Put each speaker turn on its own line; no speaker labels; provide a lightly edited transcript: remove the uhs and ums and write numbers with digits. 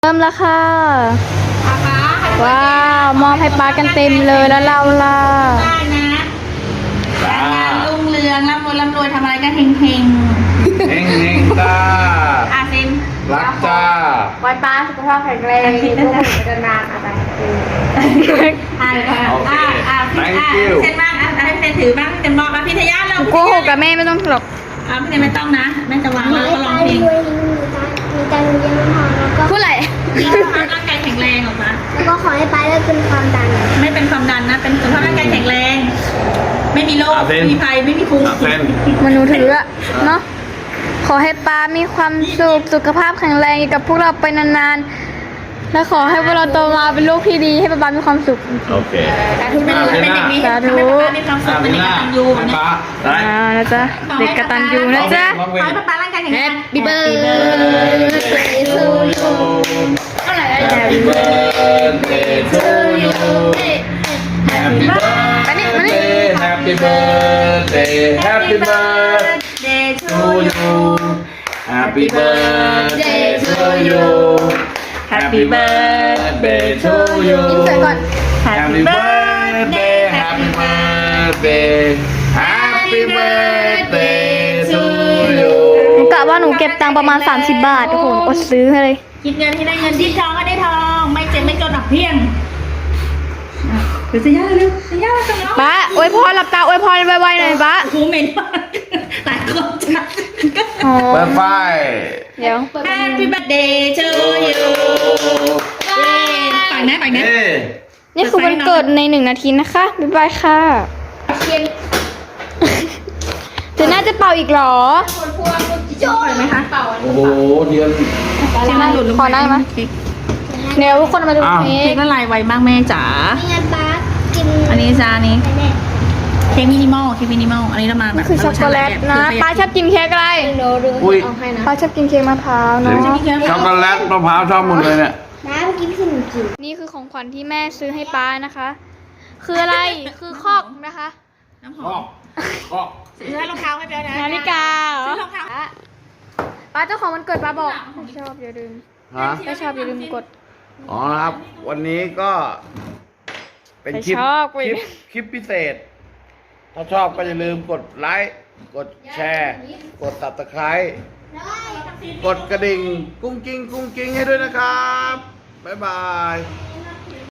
เริ่มแล้วค่ะ
ป้า
ว้าวมอบให้ป้ากันเต็มเลยแล้วเราล่ะ
ได้นะการงานรุ่งเรืองร่ำรวยทำอะไรก็เฮง
เฮงจ้า
เซ็น
รักจ้า
ไว้ป้าสุขภาพแข็งแรงลูกหนูจะนานอะไร
thank you
เซ็นบ้างให้เซ็นถือบ้างเซ็นบอกพี่ทยาเรา
โกหกกับแม่ไม่ต้องหรอก
พี่ทยาไม่ต้องนะแม่จะวางแล้วก็ร้องเพลง
มีการเรียนพอแล้วก็
พูดอะไร
ร่างกายแข็งแรงออกมา
แล้วก็ขอให้ป้าเลิกเป็นความดัน
ไม่เป็นความดันนะเป็นสุขภาพร่างกายแข็งแรงไม่มีโรคไม่มีภัยไม่มีภูมิ
มันหนูถืออะเนาะขอให้ป้ามีความสุขภาพแข็งแรงอยู่กับพวกเราไปนานๆและขอให้พวกเราโตมาเป็นลูกที่ดีให้ป้ามีความสุข
โอเค
สาธุเป็นเด็กดีสาธุมีความสุขเป็นเด็กกตัญญู
ป้า
ได้นะจ๊ะเด็กกตัญญูนะจ๊ะ
ขอให้ป้าร่างกายแข็งแรง
Happy birthday to you เท่าไหร่
Happy birthday to you Happy birthday Happy birthday Happy birthday to you Happy birthday to you Happy birthday to you
อินเสิร์ตก่อน
Happy birthday Happy birthday Happy birthday to you
กะว่าหนูเก็บตังค์ประมาณ30 บาทโอ้โหอดซื้อให้เลย
คิดเงินที่ได้เงินคิดทองก็ได้ทองไม่เจ็บไม่จนหนักเพียงเดี๋ยวจะย่าเร็วจะย่าจังเนาะ
ป้าอวยพรหลับตาอวยพรไวๆหน่อยป้า
โอ้โหเหม็นมากหลายคนจัด
เปิดไฟ
เดี๋ยว
Happy birthday to you ไปนะ
นี่คือวันเกิดใน1 นาทีนะคะบ๊ายบายค่ะเดี๋ยวน่าจะเป่าอีกหรอ
โจ้ไหมคะเป่า
โอ้โหเดือน
ขอได้ไหมเดี๋ยวทุกคนมาดูเค้ก
ละลายไวมากแม่จ๋า
นี่ไงป้ากิน
อันนี้จ้านี้เค้กมินิมอลอันนี้เรามาแบบ
คือช็อกโกแลตนะป้าชอบกินเค้กอะไร
อุ้ย
ป้าชอบกินเค้กมะพร้าวเนาะ
ช็อกโกแลตมะพร้าวชอบหมดเลยเนี่ย
น้าเมื่อกี้พี่หนูกิน
นี่คือของขวัญที่แม่ซื้อให้ป้านะคะ คืออะไรคือคอกนะคะ
น้ำหอมซื้อรองเท้าให้เบลนะ
นาฬิกา
ซื้อรองเท้า
ป้าเจ้าของวันเกิดป้าบอกถ้าชอบอย่าลืมถ้าชอบอย่าลืมกด
อ๋อครับวันนี้ก็เป็นคลิปพิเศษถ้าชอบก็อย่าลืมกดไลค์กดแชร์กด Subscribe กดกระดิ่งกุ้งกิ้งให้ด้วยนะครับบ๊ายบาย